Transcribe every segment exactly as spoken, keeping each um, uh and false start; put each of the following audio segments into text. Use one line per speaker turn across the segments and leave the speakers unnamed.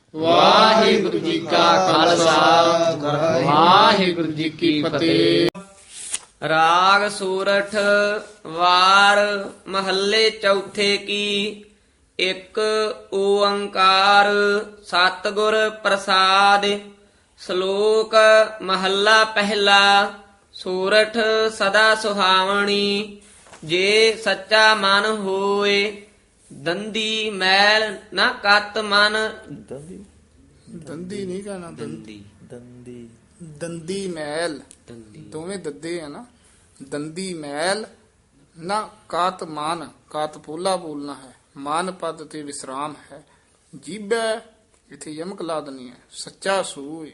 ਵਾਹਿਗੁਰੂ ਜੀ ਕਾ ਖਾਲਸਾ ਵਾਹਿਗੁਰੂ ਜੀ ਕੀ ਫਤਿਹ।
ਰਾਗ ਸੂਰਠ ਵਾਰ ਮਹੱਲੇ ਚੌਥੇ ਕੀ। ਇੱਕ ਓੰਕਾਰ ਸਤਿਗੁਰ ਪ੍ਰਸਾਦ। ਸ਼ਲੋਕ ਮਹੱਲਾ ਪਹਿਲਾ। ਸੂਰਠ ਸਦਾ ਸੁਹਾਵਣੀ, ਜੇ ਸੱਚਾ ਮਨ ਹੋਏ। ਦੰਦੀ ਮੈਲ ਨਾ ਕਤ ਮਨ।
ਦੰਦੀ ਦੰਦੀ ਨਹੀਂ ਕਹਿਣਾ, ਦੰਦੀ
ਦੰਦੀ
ਦੰਦੀ ਮੈਲ,
ਦੰਦੀ
ਦੋਵੇਂ ਦੱਦੇ ਆ ਨਾ। ਦੰਦੀ ਮੈਲ ਨਾ ਕਾਤ ਮਾਨ, ਕਾਤ ਪੋਲਾ ਬੋਲਣਾ ਹੈ। ਮਾਨ ਪਦ ਤੇ ਵਿਸਰਾਮ ਹੈ। ਜੀਬੈ ਇਥੇ ਯਮਕ ਲਾ ਦੇਣੀ ਹੈ। ਸੱਚਾ ਸੂਏ।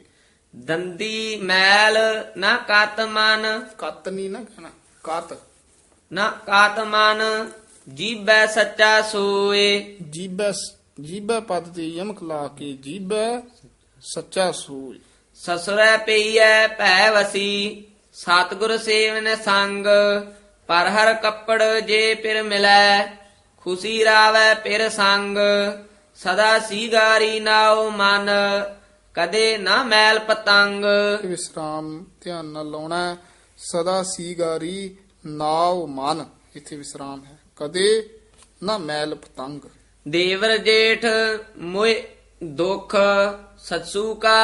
ਦੰਦੀ ਮੈਲ ਨਾ ਕਤ ਮਨ,
ਕਤ ਨਹੀਂ ਨਾ ਕਹਿਣਾ, ਕਾਤ।
ਨਾ ਕਾਤ ਮਨ ਜੀਬੈ ਸੱਚਾ ਸੋਏ।
ਜੀਬੈ ਜੀਬੈ ਪਦ ਤੇ ਯਮਕ ਲਾ ਕੇ ਜੀਬੈ ਸੱਚਾ ਸੂਏ।
ਸਸੁਰੈ ਪਈਐ ਭੈ ਵਸੀ, ਸਤਿਗੁਰ ਸੇਵਨ ਸੰਗ। ਪਰ ਹਰ ਕੱਪੜ ਜੇ ਪਿਰ ਮਿਲੈ, ਖੁਸ਼ੀ ਰਾਵੈ ਪਿਰ ਸੰਗ। ਸਦਾ ਸੀਗਾਰੀ ਨਾਉ ਮਨ, ਕਦੇ ਨਾ ਮੈਲ ਪਤੰਗ।
ਇਹ ਵਿਸਰਾਮ ਧਿਆਨ ਨਾਲ ਲਾਉਣਾ ਹੈ। ਸਦਾ ਸੀਗਾਰੀ ਨਾਉ ਮਨ, ਇੱਥੇ ਵਿਸਰਾਮ ਹੈ। ਕਦੇ ਨਾ ਮੈਲ ਪਤੰਗ।
ਦੇਵਰ ਜੇਠ ਮੋਇ ਦੁਖ, ਸੱਸੂ ਕਾ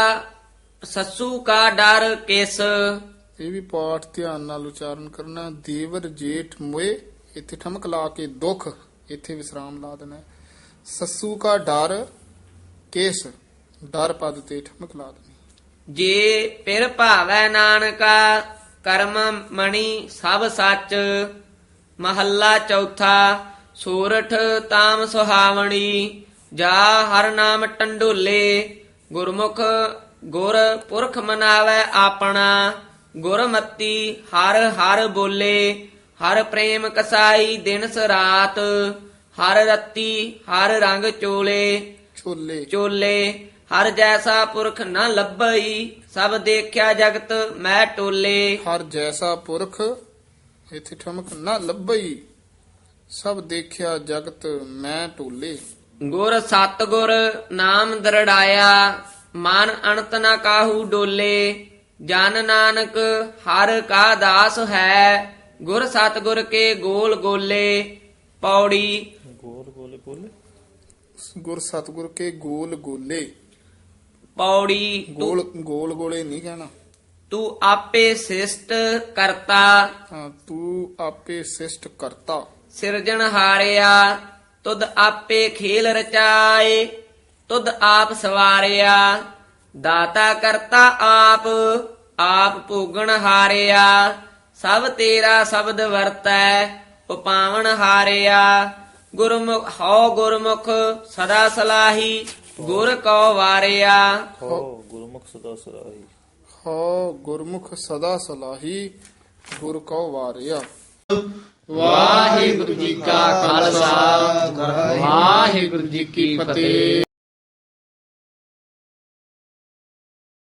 ਸੱਸੂ ਕਾ ਡਰ ਕਿਸ।
ਇਹ ਵੀ ਪਾਠ ਧਿਆਨ ਨਾਲ ਉਚਾਰਨ ਕਰਨਾ। ਦੇਵਰ ਜੇਠ ਮੋਏ, ਇੱਥੇ ਠਮਕ ਲਾ ਕੇ ਦੁੱਖ, ਇੱਥੇ ਵਿਸਰਾਮ ਲਾ ਦੇਣਾ ਹੈ। ਸੱਸੂ ਕਾ ਡਰ ਕੇਸ, ਡਰ ਪਦ ਤੇ ਠਮਕ ਲਾ ਦੇਣੀ।
ਜੇ ਪਿਰ ਭਾਵੈ ਨਾਨਕਾ, ਕਰਮ ਮਣੀ ਸਭ ਸੱਚ। ਮਹੱਲਾ ਚੌਥਾ। ਸੂਰਠ ਤਾਮ ਸੁਹਾਵਣੀ, ਜਾ ਹਰ ਨਾਮ ਟੰਡੋਲੇ। ਗੁਰਮੁਖ ਗੁਰ ਪੁਰਖ ਮਨਾਵੈ ਆਪਣਾ, ਗੁਰਮਤੀ ਹਰ ਹਰ ਬੋਲੇ। ਹਰ ਪ੍ਰੇਮ ਕਸਾਈ ਦਿਨਸ ਰਾਤ, ਹਰ ਰੱਤੀ ਹਰ ਰੰਗ ਚੋਲੇ
ਛੋਲੇ
ਚੋਲੇ। ਹਰ ਜੈਸਾ ਪੁਰਖ ਨ ਲੱਭਈ, ਸਭ ਦੇਖਿਆ ਜਗਤ ਮੈਂ ਟੋਲੇ।
ਹਰ ਜੈਸਾ ਪੁਰਖ, ਇੱਥੇ ਠਮਕ ਨਾ ਲੱਭਈ, ਸਭ ਦੇਖਿਆ ਜਗਤ ਮੈਂ ਟੋਲੇ।
ਗੁਰ ਸਤਿਗੁਰ ਨਾਮ ਦਰੜਾਇਆ, ਮਨ ਅਣਤ ਨ ਕਾਹੂ ਡੋਲੇ। ਜਨ ਨਾਨਕ ਹਰ ਕਾ ਦਾਸ ਹੈ, ਗੁਰ ਸਤਿਗੁਰ ਕੇ ਗੋਲ ਗੋਲੇ। ਪੌੜੀ
ਗੋਲ ਗੋਲੇ ਬੋਲੇ, ਗੁਰ ਸਤਿਗੁਰ ਕੇ ਗੋਲ ਗੋਲੇ।
ਪੌੜੀ
ਗੋਲ ਗੋਲ ਗੋਲੇ ਨਹੀਂ ਕਹਿਣਾ।
ਤੂੰ ਆਪੇ ਸਿਸ਼ਟ ਕਰਤਾ,
ਹਾਂ, ਤੂੰ ਆਪੇ ਸਿਸ਼ਟ ਕਰਤਾ।
ਸਿਰਜਣ ਹਾਰਿਆ, ਤੁਧ ਆਪੇ ਖੇਲ ਰਚਾਏ। ਤੁਧ ਆਪ ਸਵਾਰਿਆ, ਦਾਤਾ ਕਰਤਾ ਆਪ। ਆਪ ਭੋਗਣ ਹਾਰਿਆ, ਸਭ ਤੇਰਾ ਸ਼ਬਦ ਵਰਤੈ। ਉਪਾਵਨ ਹਾਰਿਆ, ਗੁਰਮੁਖ ਹਉ ਗੁਰਮੁਖ ਸਦਾ ਸਲਾਹੀ। ਗੁਰ ਕਉ ਵਾਰਿਆ,
ਹੋ ਗੁਰਮੁਖ ਸਦਾ ਸਲਾਹੀ। ਹੋ ਗੁਰਮੁਖ ਸਦਾ ਸਲਾਹੀ, ਗੁਰ ਕਉ ਵਾਰਿਆ।
ਵਾਹਿਗੁਰੂ ਜੀ ਕਾ ਖਾਲਸਾ ਵਾਹਿਗੁਰੂ ਜੀ ਕੀ ਫਤਿਹ।